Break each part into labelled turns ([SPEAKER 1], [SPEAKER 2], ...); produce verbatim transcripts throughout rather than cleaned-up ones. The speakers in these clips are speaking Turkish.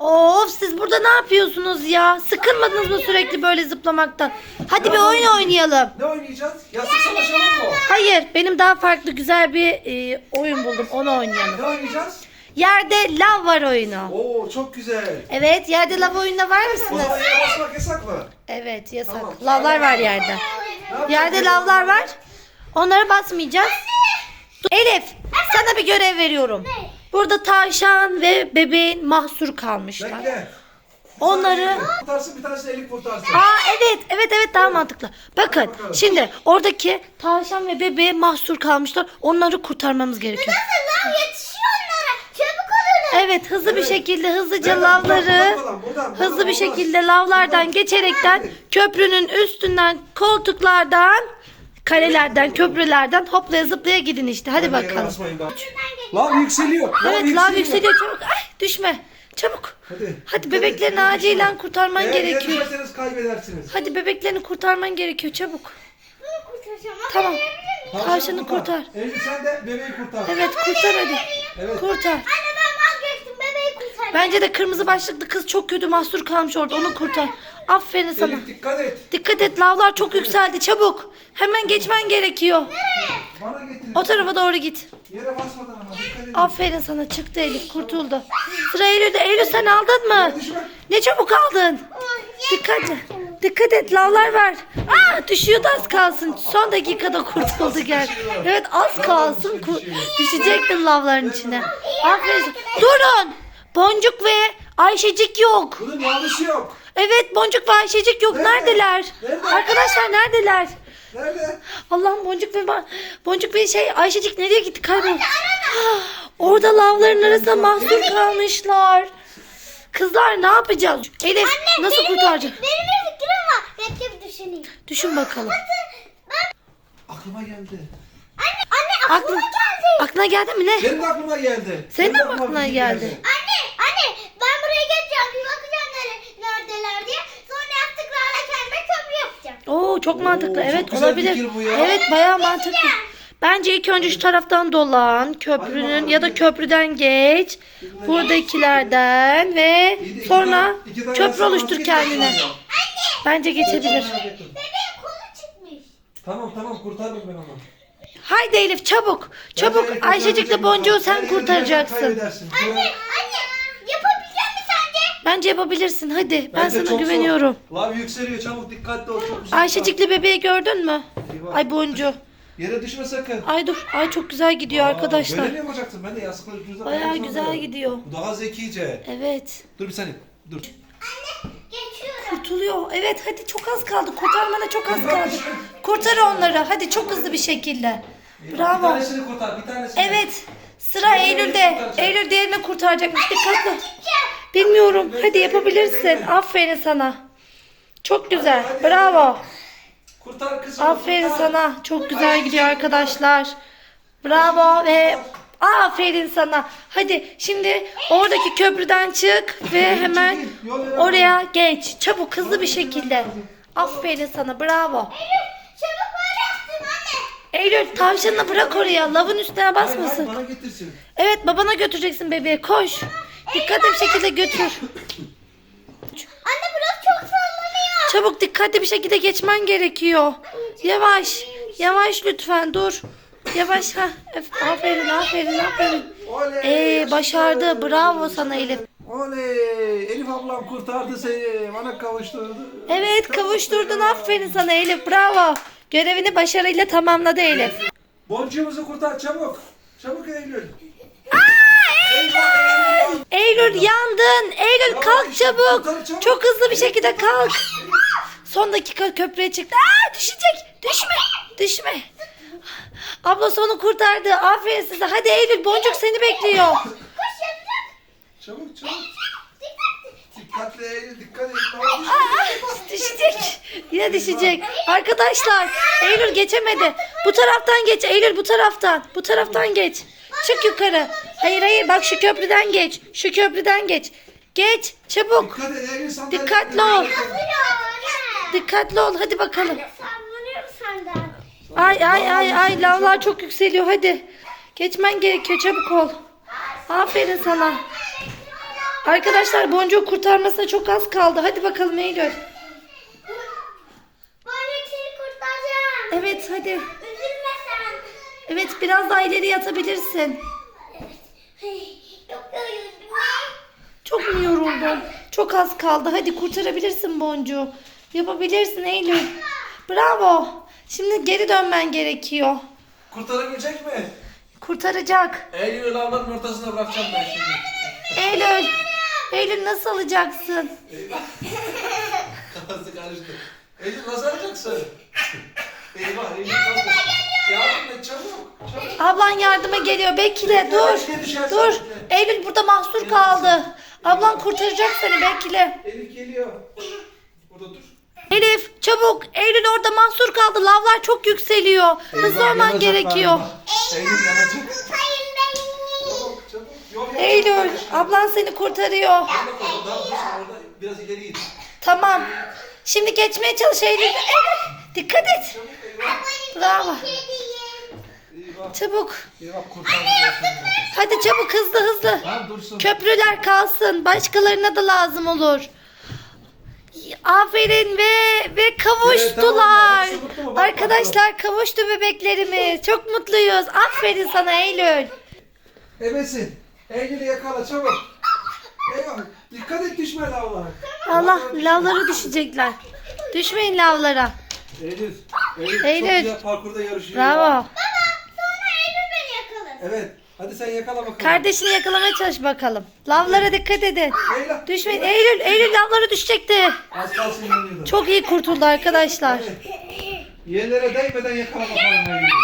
[SPEAKER 1] Of, siz burada ne yapıyorsunuz ya? Sıkılmadınız mı sürekli böyle zıplamaktan? Hadi bir oyun oynayalım.
[SPEAKER 2] Ne oynayacağız? Yastık savaşalım mı?
[SPEAKER 1] Hayır, benim daha farklı güzel bir e, oyun buldum. Onu oynayalım.
[SPEAKER 2] Ne oynayacağız?
[SPEAKER 1] Yerde lav var oyunu.
[SPEAKER 2] Oo çok güzel.
[SPEAKER 1] Evet, yerde lav oyununa var
[SPEAKER 2] O
[SPEAKER 1] mısınız?
[SPEAKER 2] zaman yere basmak yasak mı?
[SPEAKER 1] Evet, yasak.
[SPEAKER 2] Tamam.
[SPEAKER 1] Lavlar var yerde.
[SPEAKER 2] Ne yapacağız?
[SPEAKER 1] Yerde lavlar var. Onlara basmayacağız. Elif, sana bir görev veriyorum. Burada tavşan ve bebeğin mahsur kalmışlar.
[SPEAKER 2] Bekle.
[SPEAKER 1] Onları...
[SPEAKER 2] Kurtarsın, bir tanesi Elif kurtarsın.
[SPEAKER 1] Aa evet, evet evet daha mantıklı. Bakın, şimdi oradaki tavşan ve bebeğe mahsur kalmışlar. Onları kurtarmamız gerekiyor.
[SPEAKER 3] Nasıl lan, yetişiyor onlara. Çabuk olun.
[SPEAKER 1] Evet, hızlı bir şekilde hızlıca
[SPEAKER 2] Nereden? Buradan,
[SPEAKER 1] lavları
[SPEAKER 2] buradan, buradan, buradan
[SPEAKER 1] hızlı bir
[SPEAKER 2] olmaz.
[SPEAKER 1] şekilde lavlardan geçerekten köprünün üstünden, koltuklardan, kalelerden, köprülerden hoplaya zıplaya gidin işte. Hadi
[SPEAKER 2] Hadi yere
[SPEAKER 1] bakalım.
[SPEAKER 2] basmayın bak. Lav yükseliyor.
[SPEAKER 1] Evet, lav yükseliyor, çabuk. Ay, düşme. Çabuk.
[SPEAKER 2] Hadi.
[SPEAKER 1] Hadi bebeklerini acilen kurtarman
[SPEAKER 2] Eğer
[SPEAKER 1] gerekiyor.
[SPEAKER 2] Eğer düşerseniz kaybedersiniz.
[SPEAKER 1] Hadi bebeklerini kurtarman gerekiyor, çabuk.
[SPEAKER 3] Bunu kurtaracağım. Ama
[SPEAKER 1] Tamam.
[SPEAKER 3] verebilir miyim?
[SPEAKER 1] Tavşanı kurtar.
[SPEAKER 2] Elif sen de bebeği kurtar.
[SPEAKER 1] Evet, kurtar hadi.
[SPEAKER 2] Evet.
[SPEAKER 1] Kurtar.
[SPEAKER 3] Anne ben vazgeçtim, bebeği kurtaracağım.
[SPEAKER 1] Bence de kırmızı başlıklı kız çok kötü mahsur kalmış orada. Onu kurtar. Aferin sana.
[SPEAKER 2] Elif dikkat et.
[SPEAKER 1] Dikkat et, lavlar çok yükseldi, çabuk. Hemen geçmen gerekiyor.
[SPEAKER 2] Bana getirin.
[SPEAKER 1] O tarafa doğru git.
[SPEAKER 2] Yere basmadan ama dikkat edin.
[SPEAKER 1] Aferin sana, çıktı Elif, kurtuldu. Sıra Eylül'de. Eylül, sen aldın mı?
[SPEAKER 2] Düşme.
[SPEAKER 1] Ne çabuk aldın. Dikkat Dikkat et, lavlar var. Aa, düşüyordu az kalsın. Son dakikada kurtuldu gel. Evet, az kalsın. Ku- düşecektin lavların içine. Aferin. Durun. Boncuk ve Ayşecik yok.
[SPEAKER 2] Bunun yanlışı yok.
[SPEAKER 1] Evet, Boncuk ve Ayşecik yok.
[SPEAKER 2] Nerede?
[SPEAKER 1] Neredeler?
[SPEAKER 2] Nerede?
[SPEAKER 1] Arkadaşlar neredeler?
[SPEAKER 2] Nerede?
[SPEAKER 1] Allah'ım, Boncuk ve ba- Boncuk ve şey Ayşecik nereye gitti? Kaybol. Orada lavların arasında mahsur kalmışlar. Kızlar ne yapacağız? Elif,
[SPEAKER 3] Anne,
[SPEAKER 1] nasıl
[SPEAKER 3] benim,
[SPEAKER 1] kurtaracağız?
[SPEAKER 3] benim bir fikrim var. Bekle bir düşüneyim.
[SPEAKER 1] Düşün bakalım.
[SPEAKER 2] Aklıma geldi.
[SPEAKER 3] Anne, anne aklıma
[SPEAKER 1] Aklın,
[SPEAKER 3] geldi.
[SPEAKER 1] aklına geldi mi ne?
[SPEAKER 2] Benim de aklıma geldi.
[SPEAKER 1] Senin
[SPEAKER 2] Benim
[SPEAKER 1] de mi
[SPEAKER 2] aklıma
[SPEAKER 1] aklına
[SPEAKER 2] fikir
[SPEAKER 1] geldi?
[SPEAKER 3] Anne, anne ben buraya geleceğim. Bir bakacağım nere, neredeler diye. Sonra yaptıklarla kendime köprü yapacağım.
[SPEAKER 1] Oo, çok mantıklı.
[SPEAKER 2] çok
[SPEAKER 1] Evet,
[SPEAKER 2] güzel
[SPEAKER 1] olabilir.
[SPEAKER 2] fikir bu ya.
[SPEAKER 1] Evet, bayağı mantıklı. Bence ilk önce şu taraftan dolan, köprünün ya da köprüden geç. Buradakilerden ve
[SPEAKER 2] İki
[SPEAKER 1] sonra
[SPEAKER 2] tane- iki tane
[SPEAKER 1] köprü
[SPEAKER 2] yastık
[SPEAKER 1] oluştur
[SPEAKER 2] maske
[SPEAKER 1] kendine.
[SPEAKER 2] yapacağım.
[SPEAKER 1] Bence geçebilir.
[SPEAKER 3] Bebeğin kolu çıkmış.
[SPEAKER 2] Tamam tamam kurtardım ben onu.
[SPEAKER 1] Haydi Elif, çabuk. Çabuk.
[SPEAKER 2] Elif
[SPEAKER 1] Ayşecik'le Boncuğu sen
[SPEAKER 2] Elif,
[SPEAKER 1] kurtaracaksın.
[SPEAKER 2] kaybedersin.
[SPEAKER 3] Anne, anne yapabilecek mi sence?
[SPEAKER 1] Bence yapabilirsin. Hadi. Ben
[SPEAKER 2] Bence
[SPEAKER 1] sana
[SPEAKER 2] çok
[SPEAKER 1] güveniyorum.
[SPEAKER 2] zor. Lav yükseliyor, çabuk dikkatli ol. Çok uzakta.
[SPEAKER 1] Ayşecik'le bebeği gördün mü?
[SPEAKER 2] Eyvah.
[SPEAKER 1] Ay Boncu.
[SPEAKER 2] Yere düşme sakın.
[SPEAKER 1] Ay dur. Ay çok güzel gidiyor
[SPEAKER 2] Aa,
[SPEAKER 1] arkadaşlar.
[SPEAKER 2] Böyle mi yapacaksın? Ben de yastıkları ucuzdan
[SPEAKER 1] Bayağı
[SPEAKER 2] yapmak
[SPEAKER 1] güzel
[SPEAKER 2] zorundayım.
[SPEAKER 1] gidiyor.
[SPEAKER 2] Bu daha zekice.
[SPEAKER 1] Evet.
[SPEAKER 2] Dur bir saniye. Dur.
[SPEAKER 3] Anne geçiyorum.
[SPEAKER 1] Kurtuluyor. Evet, hadi çok az kaldı. Kurtarmana çok az
[SPEAKER 2] Eyvah,
[SPEAKER 1] kaldı.
[SPEAKER 2] düşme.
[SPEAKER 1] Kurtar onları. Hadi çok hızlı bir şekilde.
[SPEAKER 2] Bir
[SPEAKER 1] Bravo.
[SPEAKER 2] tanesini kurtar, bir tanesini.
[SPEAKER 1] Evet. Sıra Eylül'de. Eylül diğerini kurtaracakmış. Dikkatli. Bilmiyorum. Hadi yapabilirsin. Aferin sana. Çok güzel.
[SPEAKER 2] Hadi, hadi,
[SPEAKER 1] Bravo.
[SPEAKER 2] Kurtar kızım.
[SPEAKER 1] Aferin
[SPEAKER 2] kurtar.
[SPEAKER 1] sana. Çok güzel gidiyor arkadaşlar. Bravo ve aferin sana. Hadi şimdi oradaki köprüden çık ve hemen oraya geç. Çabuk, hızlı bir şekilde. Aferin sana. Bravo.
[SPEAKER 3] Çabuk böyle yaptım anne.
[SPEAKER 1] Eylül, tavşanını bırak oraya. Lavın üstüne
[SPEAKER 2] Hayır, hayır,
[SPEAKER 1] basmasın.
[SPEAKER 2] bana getirsin.
[SPEAKER 1] Evet, babana götüreceksin bebeği. Koş. Dikkatli bir şekilde götür.
[SPEAKER 3] Anne burası çok sallanıyor.
[SPEAKER 1] Çabuk, dikkatli bir şekilde geçmen gerekiyor. Yavaş. Yavaş lütfen, dur. Yavaş. Ha. Aferin, aferin, aferin.
[SPEAKER 2] Oley.
[SPEAKER 1] Ee,
[SPEAKER 2] yaşasın.
[SPEAKER 1] başardı. Bravo sana Elif.
[SPEAKER 2] Oley. Elif ablam kurtardı seni. Bana kavuşturdu.
[SPEAKER 1] Evet, kavuşturdun. Aferin sana Elif. Bravo. Görevini başarıyla tamamladı Elif.
[SPEAKER 2] Boncuğumuzu kurtar çabuk. Çabuk Eylül.
[SPEAKER 1] Eylül, yandın. Eylül, kalk çabuk. Çok hızlı bir şekilde kalk. Son dakika köprüye çıktı. Aa, düşecek. Düşme. Düşme. Ablası onu kurtardı. Aferin size. Hadi Eylül, Boncuk seni bekliyor.
[SPEAKER 3] Koş yapacağım.
[SPEAKER 2] Çabuk çabuk.
[SPEAKER 3] Dikkat.
[SPEAKER 2] Dikkatli Eylül dikkat et.
[SPEAKER 1] Aa, düşecek. Yine düşecek. Arkadaşlar, Eylül geçemedi. Bu taraftan geç Eylül, bu taraftan. Bu taraftan geç. Çık yukarı. Hayır hayır, bak şu köprüden geç. Şu köprüden geç. Geç çabuk.
[SPEAKER 2] Dikkat et Eylül sandalye.
[SPEAKER 1] Dikkatli ol.
[SPEAKER 3] Sallanıyor.
[SPEAKER 1] Dikkatli ol, hadi bakalım.
[SPEAKER 3] Sallanıyor senden.
[SPEAKER 1] Ay ay ay ay, lavlar çok yükseliyor, hadi. Geçmen gerekiyor, çabuk ol. Aferin sana. Arkadaşlar boncuğu kurtarmasına çok az kaldı. Hadi bakalım Eylül.
[SPEAKER 3] Boncuk seni kurtaracağım.
[SPEAKER 1] Evet hadi.
[SPEAKER 3] Üzülme sen.
[SPEAKER 1] Evet biraz daha ileri yatabilirsin.
[SPEAKER 3] Çok yoruldum.
[SPEAKER 1] Çok mu yoruldun? Çok az kaldı. Hadi kurtarabilirsin boncuğu. Yapabilirsin Eylül. Bravo. Şimdi geri dönmen gerekiyor.
[SPEAKER 2] Kurtarabilecek mi?
[SPEAKER 1] Kurtaracak.
[SPEAKER 2] Eylül'ü lavların ortasına bırakacağım ben şimdi.
[SPEAKER 1] Eylül. Eylül nasıl alacaksın?
[SPEAKER 2] Eyvah. Kafası karıştı. Eylül nasıl alacaksın? Eyvah Eylül nasıl? Yardım et çabuk. Çabuk.
[SPEAKER 1] Ablan yardıma geliyor. Bekle dur. Dur. Eylül burada mahsur kaldı. Ablan kurtaracak seni bekle.
[SPEAKER 2] Elif geliyor. Burada dur.
[SPEAKER 1] Elif çabuk. Eylül orada mahsur kaldı. Lavlar çok yükseliyor. Hızlı
[SPEAKER 2] Eyvah,
[SPEAKER 1] olman
[SPEAKER 2] yanacak
[SPEAKER 1] gerekiyor.
[SPEAKER 2] galiba. Eylül yanacak.
[SPEAKER 3] Sayın beni.
[SPEAKER 2] Çabuk çabuk. Yol yap.
[SPEAKER 1] Eylül ablan seni kurtarıyor.
[SPEAKER 2] Orada koy, daha dursun orada. Biraz ileri git.
[SPEAKER 1] Tamam. Şimdi geçmeye çalış Eylül. Eylül dikkat et.
[SPEAKER 2] Çabuk eyvah.
[SPEAKER 1] Bravo.
[SPEAKER 2] Eyvah.
[SPEAKER 1] Çabuk.
[SPEAKER 2] Eyvah kurtaracağız şimdi.
[SPEAKER 1] Hadi çabuk hızlı hızlı.
[SPEAKER 2] Tamam dursun.
[SPEAKER 1] Köprüler kalsın. Başkalarına da lazım olur. Aferin ve ve kavuştular.
[SPEAKER 2] Evet, tamam. Hepsi mutlu mu? Bak,
[SPEAKER 1] Arkadaşlar kavuştu bebeklerimiz. Çok mutluyuz. Aferin sana Eylül.
[SPEAKER 2] Ebesin. Eylül'ü yakala çabuk. Eyvah. Dikkat et düşme lavlara.
[SPEAKER 1] Allah lavlara düşecekler. Düşmeyin lavlara.
[SPEAKER 2] Eylül. Eylül.
[SPEAKER 1] Eylül.
[SPEAKER 2] Çok güzel parkurda yarışıyor.
[SPEAKER 1] Bravo.
[SPEAKER 3] Sonra Eylül beni yakalasın.
[SPEAKER 2] Evet. Hadi sen yakala bakalım.
[SPEAKER 1] Kardeşini yakalamaya çalış bakalım. Lavlara dikkat edin.
[SPEAKER 2] Eyvah.
[SPEAKER 1] Düşmeyin. Eylül, Eylül lavlara düşecekti.
[SPEAKER 2] Az kalsın yanıyordu.
[SPEAKER 1] Çok iyi kurtuldu arkadaşlar.
[SPEAKER 2] Yerlere değmeden yakala bakalım Eylül'ü.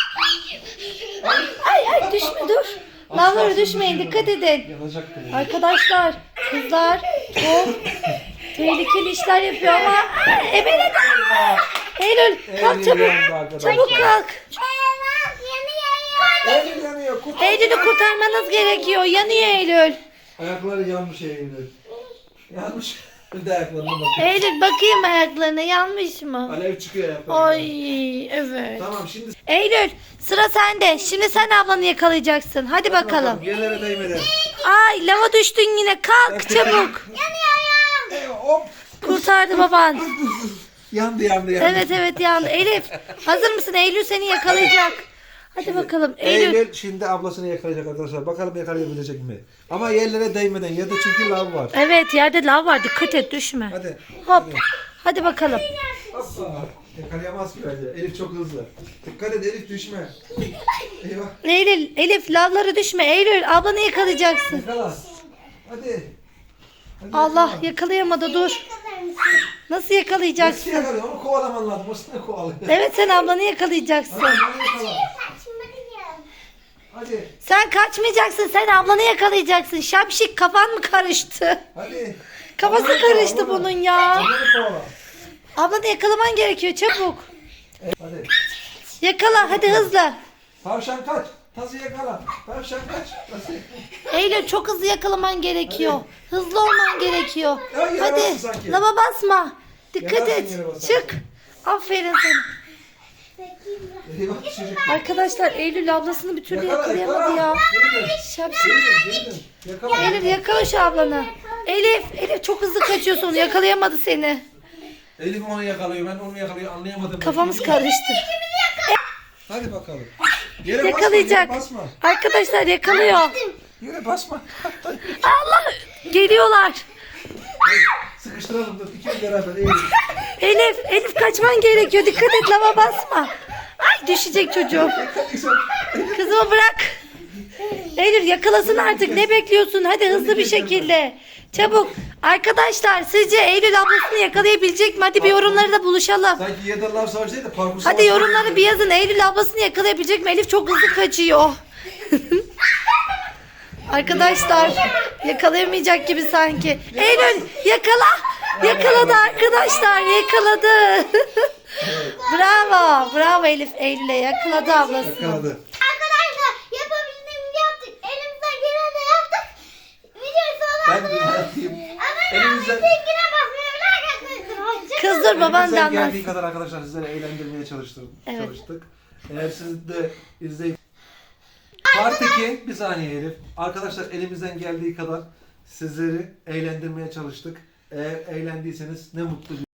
[SPEAKER 1] Ay ay düşme dur.
[SPEAKER 2] Az
[SPEAKER 1] Lavlara
[SPEAKER 2] kalsın
[SPEAKER 1] düşmeyin.
[SPEAKER 2] düşüyordu.
[SPEAKER 1] Dikkat edin.
[SPEAKER 2] Yanacak Eylül.
[SPEAKER 1] Arkadaşlar kızlar çok tehlikeli işler yapıyor ama Emine Eylül kalk
[SPEAKER 2] Eylül
[SPEAKER 1] çabuk.
[SPEAKER 2] yandı arkadaşlar.
[SPEAKER 1] Çabuk kalk.
[SPEAKER 3] Eyvah yanıyor.
[SPEAKER 2] Eylül yanıyor. Kurtar.
[SPEAKER 1] Eylül'ü kurtarmanız gerekiyor. Yanıyor Eylül.
[SPEAKER 2] Ayakları yanmış Eylül. Yanmış. Bir de ayaklarına bakın.
[SPEAKER 1] Eylül bakayım ayaklarına yanmış mı?
[SPEAKER 2] Alev çıkıyor ayaklarına.
[SPEAKER 1] Ay evet.
[SPEAKER 2] Tamam şimdi.
[SPEAKER 1] Eylül sıra sende. Şimdi sen ablanı yakalayacaksın. Hadi bakalım.
[SPEAKER 2] Yerlere değmeden.
[SPEAKER 1] Ay lava düştün yine. Kalk çabuk.
[SPEAKER 2] Eyvah hop.
[SPEAKER 1] Kurtardı baban.
[SPEAKER 2] Yandı yandı yandı.
[SPEAKER 1] Evet evet yandı. Elif hazır mısın? Eylül seni yakalayacak. Hadi bakalım. Eylül.
[SPEAKER 2] Eylül şimdi ablasını yakalayacak arkadaşlar. Bakalım yakalayabilecek mi? Ama yerlere değmeden. Yerde çünkü lav var.
[SPEAKER 1] Evet yerde lav var. Dikkat et düşme.
[SPEAKER 2] Hadi.
[SPEAKER 1] Hop. Hadi bakalım.
[SPEAKER 2] Hoppa. Yakalayamaz ki bence. Elif çok hızlı. Dikkat et Elif düşme. Eyvah.
[SPEAKER 1] Eylül, Elif lavlara düşme. Eylül ablanı yakalayacaksın.
[SPEAKER 2] Yakala. Hadi. Hadi
[SPEAKER 1] Allah
[SPEAKER 2] yakala.
[SPEAKER 1] yakalayamadı dur. Nasıl
[SPEAKER 2] Nasıl
[SPEAKER 1] yakalayacaksın?
[SPEAKER 2] yakalıyor? Onu kovalaman lazım. O seni kovalıyor.
[SPEAKER 1] Evet sen ablanı yakalayacaksın.
[SPEAKER 2] Hadi onu yakala.
[SPEAKER 3] Saçmalıyım.
[SPEAKER 2] Hadi.
[SPEAKER 1] Sen kaçmayacaksın. Sen ablanı yakalayacaksın. Şapşik kafan mı karıştı?
[SPEAKER 2] Hadi.
[SPEAKER 1] Kafası
[SPEAKER 2] Ablanı kovala,
[SPEAKER 1] karıştı
[SPEAKER 2] ablanı.
[SPEAKER 1] bunun ya.
[SPEAKER 2] Ablanı kovala.
[SPEAKER 1] Ablanı yakalaman gerekiyor çabuk.
[SPEAKER 2] Hadi.
[SPEAKER 1] Yakala hadi hızlı.
[SPEAKER 2] Tavşan kaç. Tazı yakala. Tavşan kaç. Tazı yakala.
[SPEAKER 1] Eylül çok hızlı yakalaman gerekiyor. Hızlı olman gerekiyor.
[SPEAKER 2] Ya, yere
[SPEAKER 1] Hadi
[SPEAKER 2] bastın sanki.
[SPEAKER 1] lava basma. Dikkat
[SPEAKER 2] Yanarsın
[SPEAKER 1] et.
[SPEAKER 2] yere basarsan.
[SPEAKER 1] Çık. Aferin sana.
[SPEAKER 2] Eyvah çocuk.
[SPEAKER 1] Arkadaşlar Eylül ablasını bir türlü
[SPEAKER 2] Yakala
[SPEAKER 1] yakalayamadı
[SPEAKER 2] yakala.
[SPEAKER 1] ya.
[SPEAKER 2] Geri dön.
[SPEAKER 1] Şapşik.
[SPEAKER 2] Geri dön. Geri dön. Yakala.
[SPEAKER 1] Eylül yakala şu ablanı. Elif, Elif çok hızlı kaçıyorsun. Yakalayamadı seni.
[SPEAKER 2] Elif onu yakalıyor. Ben onu yakalıyor. Anlayamadım.
[SPEAKER 1] Kafamız karıştı.
[SPEAKER 2] Hadi bakalım. Yere
[SPEAKER 1] Yakalayacak.
[SPEAKER 2] basma. Yere
[SPEAKER 1] Arkadaşlar yakalıyor.
[SPEAKER 2] basma. Yere basma.
[SPEAKER 1] Allah geliyorlar.
[SPEAKER 2] Sıkıştıralım da ikimiz beraber. Elif.
[SPEAKER 1] Elif, Elif kaçman gerekiyor. Dikkat et lava basma. Ay düşecek çocuğum. Kızımı bırak. Eylül yakalasın artık. Ne bekliyorsun? Hadi hızlı bir şekilde. Çabuk. Arkadaşlar sizce Eylül ablasını yakalayabilecek mi? Hadi bir yorumlarda buluşalım.
[SPEAKER 2] Sanki yerden lav savaşı değil de parkur
[SPEAKER 1] Hadi
[SPEAKER 2] savaşı.
[SPEAKER 1] yorumları bir yazın. Eylül ablasını yakalayabilecek mi? Elif çok hızlı kaçıyor. Arkadaşlar yakalayamayacak gibi sanki. Eylül yakala. Yakaladı arkadaşlar. Yakaladı. Bravo. Bravo Elif Eylül'e yakaladı ablasını.
[SPEAKER 2] Yakaladı.
[SPEAKER 3] Arkadaşlar yapabildiğimizi yaptık. Elimizden geleni yaptık. Videoyu
[SPEAKER 2] Ben
[SPEAKER 3] sonra
[SPEAKER 2] bir yapayım.
[SPEAKER 3] ama
[SPEAKER 2] Elimizden,
[SPEAKER 3] linkine basmayı arkadaşlar.
[SPEAKER 1] Kız dur baban da
[SPEAKER 2] elimizden
[SPEAKER 1] anlatsın.
[SPEAKER 2] geldiği kadar arkadaşlar sizlere eğlendirmeye çalıştık.
[SPEAKER 1] Evet.
[SPEAKER 2] çalıştık. Eğer siz de izleyip Part iki, bir saniye Elif. Arkadaşlar elimizden geldiği kadar Sizleri eğlendirmeye çalıştık. Eğer eğlendiyseniz ne mutlu